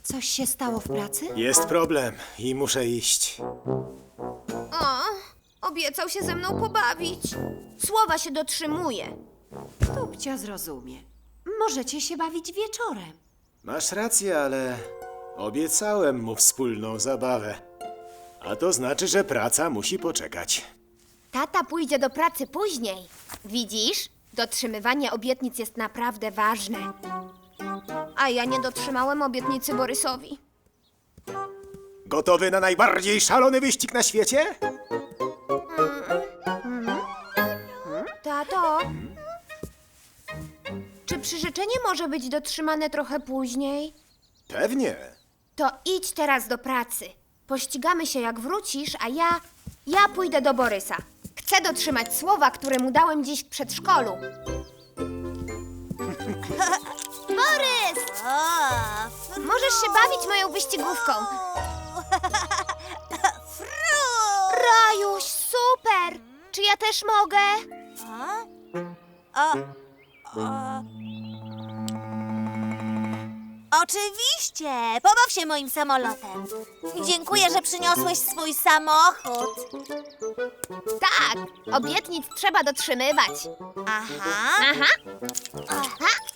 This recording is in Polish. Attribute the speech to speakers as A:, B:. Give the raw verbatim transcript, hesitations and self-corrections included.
A: Coś się stało w pracy?
B: Jest problem i muszę iść.
C: O, obiecał się ze mną pobawić. Słowa się dotrzymuje.
A: Tupcia zrozumie. Możecie się bawić wieczorem.
B: Masz rację, ale obiecałem mu wspólną zabawę. A to znaczy, że praca musi poczekać.
C: Tata pójdzie do pracy później. Widzisz? Dotrzymywanie obietnic jest naprawdę ważne. A ja nie dotrzymałem obietnicy Borysowi.
B: Gotowy na najbardziej szalony wyścig na świecie?
C: Tato, czy przyrzeczenie może być dotrzymane trochę później?
B: Pewnie.
C: To idź teraz do pracy. Pościgamy się jak wrócisz, a ja... ja pójdę do Borysa. Chcę dotrzymać słowa, które mu dałem dziś w przedszkolu. Borys! Możesz się bawić moją wyścigówką. Rajuś, super! Czy ja też mogę?
D: O, o. Oczywiście! Pobaw się moim samolotem. Dziękuję, że przyniosłeś swój samochód.
C: Tak, obietnic trzeba dotrzymywać.
D: Aha.
C: Aha. Aha.